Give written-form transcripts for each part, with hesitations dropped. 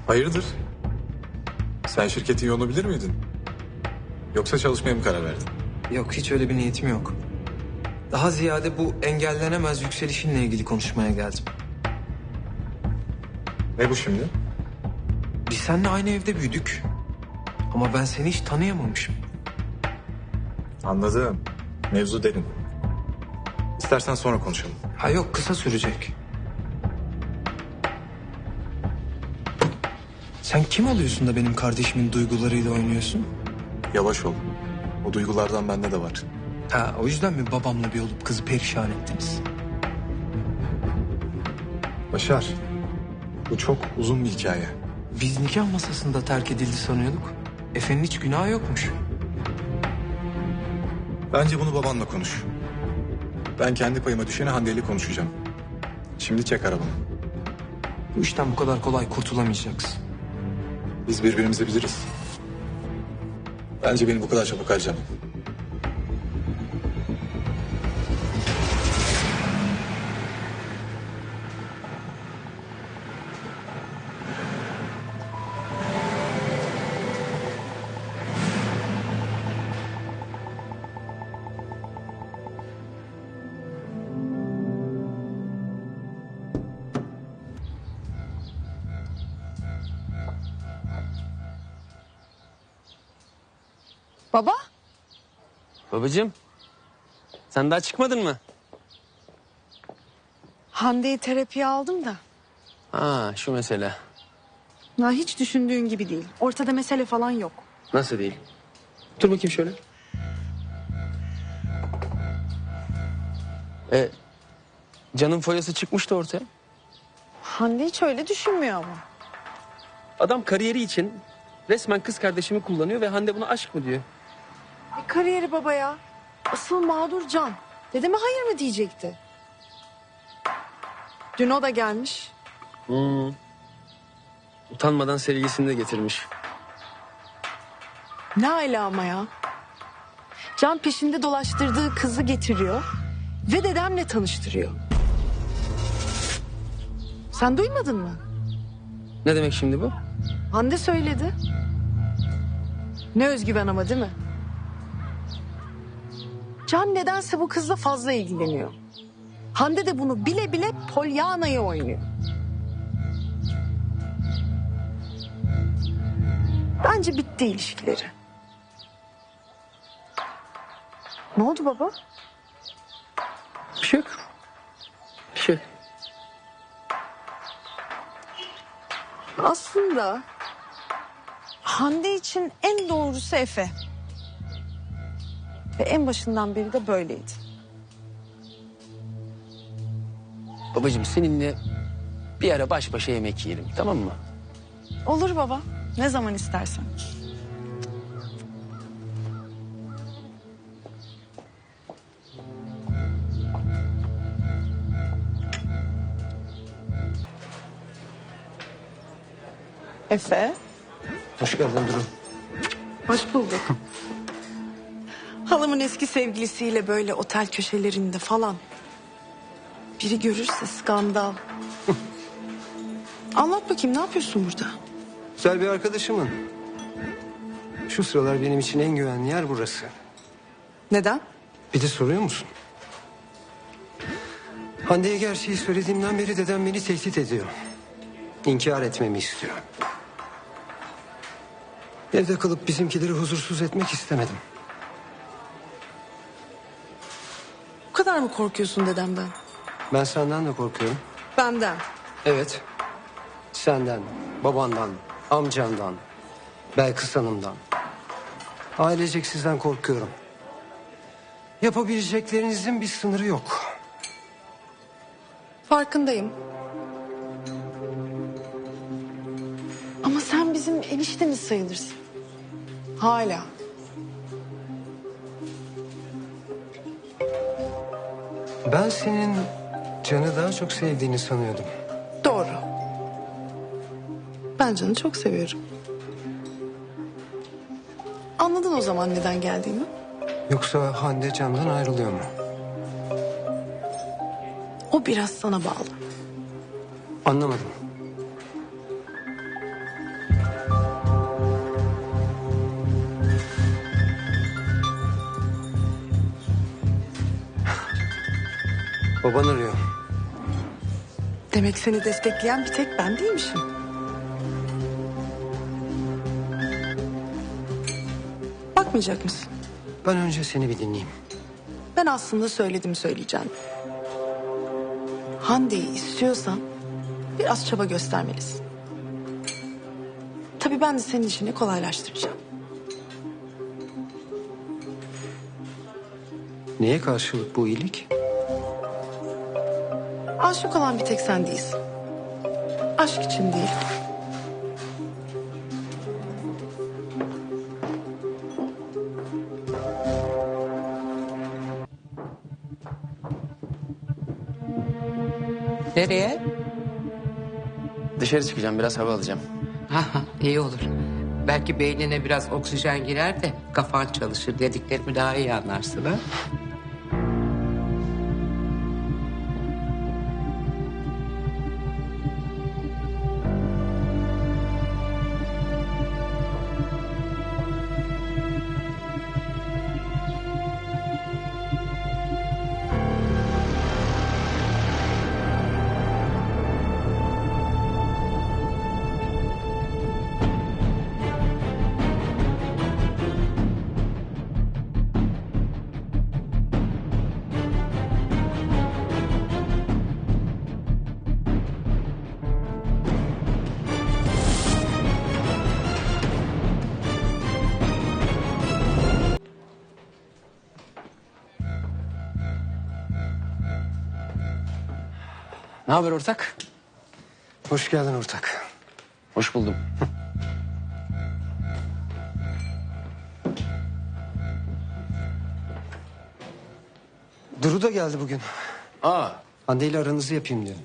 Hayırdır? Sen şirketin yolunu bilir miydin? Yoksa çalışmaya mı karar verdin? Yok, hiç öyle bir niyetim yok. Daha ziyade bu engellenemez yükselişinle ilgili konuşmaya geldim. Ne bu şimdi? Biz seninle aynı evde büyüdük. Ama ben seni hiç tanıyamamışım. Anladım. Mevzu derin. İstersen sonra konuşalım. Ha yok, kısa sürecek. Sen kim oluyorsun da benim kardeşimin duygularıyla oynuyorsun? Yavaş ol. O duygulardan bende de var. Ha, o yüzden mi babamla bir olup kızı perişan ettiniz? Başar. Bu çok uzun bir hikaye. Biz nikah masasında terk edildi sanıyorduk. Efe'nin hiç günahı yokmuş. Bence bunu babanla konuş. Ben kendi payıma düşeni Hande ile konuşacağım. Şimdi çek arabanı. Bu işten bu kadar kolay kurtulamayacaksın. Biz birbirimizi biliriz. Bence beni bu kadar çabuk harcama. Baba? Babacığım, sen daha çıkmadın mı? Hande'yi terapiye aldım da. Ha, şu mesele. Ya hiç düşündüğün gibi değil. Ortada mesele falan yok. Nasıl değil? Dur bakayım şöyle. Can'ın foyası çıkmıştı ortaya. Hande hiç öyle düşünmüyor ama. Adam kariyeri için resmen kız kardeşimi kullanıyor ve Hande buna aşk mı diyor. Kariyeri baba ya. Asıl mağdur Can. Dedeme hayır mı diyecekti? Dün o da gelmiş. Utanmadan sevgilisini de getirmiş. Ne ala ama ya. Can peşinde dolaştırdığı kızı getiriyor. Ve dedemle tanıştırıyor. Sen duymadın mı? Ne demek şimdi bu? Hande söyledi. Ne özgüven ama değil mi? Can nedense bu kızla fazla ilgileniyor. Hande de bunu bile bile Polyana'yı oynuyor. Bence bitti ilişkileri. Ne oldu baba? Bir şey yok. Bir şey yok. Aslında Hande için en doğrusu Efe. Ve en başından beri de böyleydi. Babacığım seninle bir ara baş başa yemek yiyelim, tamam mı? Olur baba. Ne zaman istersen. Efe. Hoş geldin Duru. Hoş bulduk. Halamın eski sevgilisiyle böyle otel köşelerinde falan. Biri görürse skandal. Anlat bakayım, ne yapıyorsun burada? Güzel bir arkadaşımın. Şu sıralar benim için en güvenli yer burası. Neden? Bir de soruyor musun? Hande'ye gerçeği söylediğimden beri dedem beni tehdit ediyor. İnkar etmemi istiyor. Evde kalıp bizimkileri huzursuz etmek istemedim. Bu kadar mı korkuyorsun dedemden? Ben senden de korkuyorum. Benden. Evet. Senden, babandan, amcandan, Belkıs Hanım'dan. Ailecek sizden korkuyorum. Yapabileceklerinizin bir sınırı yok. Farkındayım. Ama sen bizim eniştemiz sayılırsın. Hala. Ben senin Can'ı daha çok sevdiğini sanıyordum. Doğru. Ben Can'ı çok seviyorum. Anladın o zaman neden geldiğimi? Yoksa Hande Can'dan ayrılıyor mu? O biraz sana bağlı. Anlamadım. Baban arıyor. Demek seni destekleyen bir tek ben değilmişim. Bakmayacak mısın? Ben önce seni bir dinleyeyim. Ben aslında söyledim söyleyeceğim. Hande'yi istiyorsan biraz çaba göstermelisin. Tabii ben de senin işini kolaylaştıracağım. Neye karşılık bu iyilik? Aşık olan bir tek sen değilsin. Aşk için değil. Nereye? Dışarı çıkacağım, biraz hava alacağım. Ha, iyi olur. Belki beynine biraz oksijen girer de kafan çalışır, dediklerimi daha iyi anlarsın ha. Ne haber ortak? Hoş geldin ortak. Hoş buldum. Duru da geldi bugün. Aa, Hande ile aranızı yapayım diyor.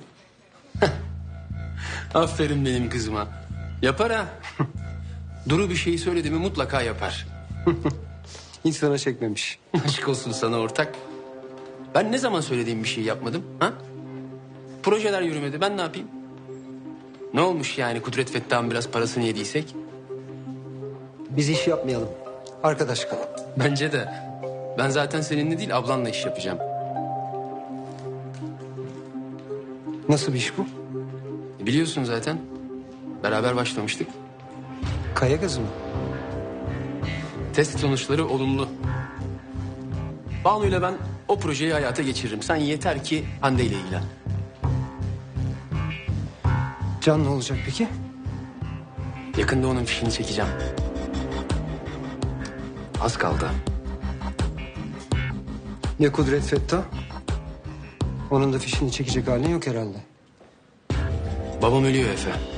aferin benim kızıma. Yapar ha. Duru bir şeyi söyledi mi mutlaka yapar. Hiç sana çekmemiş. Aşk olsun sana ortak. Ben ne zaman söylediğim bir şey yapmadım ha? Projeler yürümedi, ben ne yapayım? Ne olmuş yani Kudret Fettah'ın biraz parasını yediysek? Biz iş yapmayalım. Arkadaş kalalım. Bence de. Ben zaten seninle değil ablanla iş yapacağım. Nasıl bir iş bu? Biliyorsun zaten. Beraber başlamıştık. Kaya gazı mı? Test sonuçları olumlu. Banu'yla ben o projeyi hayata geçiririm. Sen yeter ki Hande ile ilgilen. Can ne olacak peki? Yakında onun fişini çekeceğim. Az kaldı. Ya Kudret Fettah? Onun da fişini çekecek halin yok herhalde. Babam ölüyor Efe.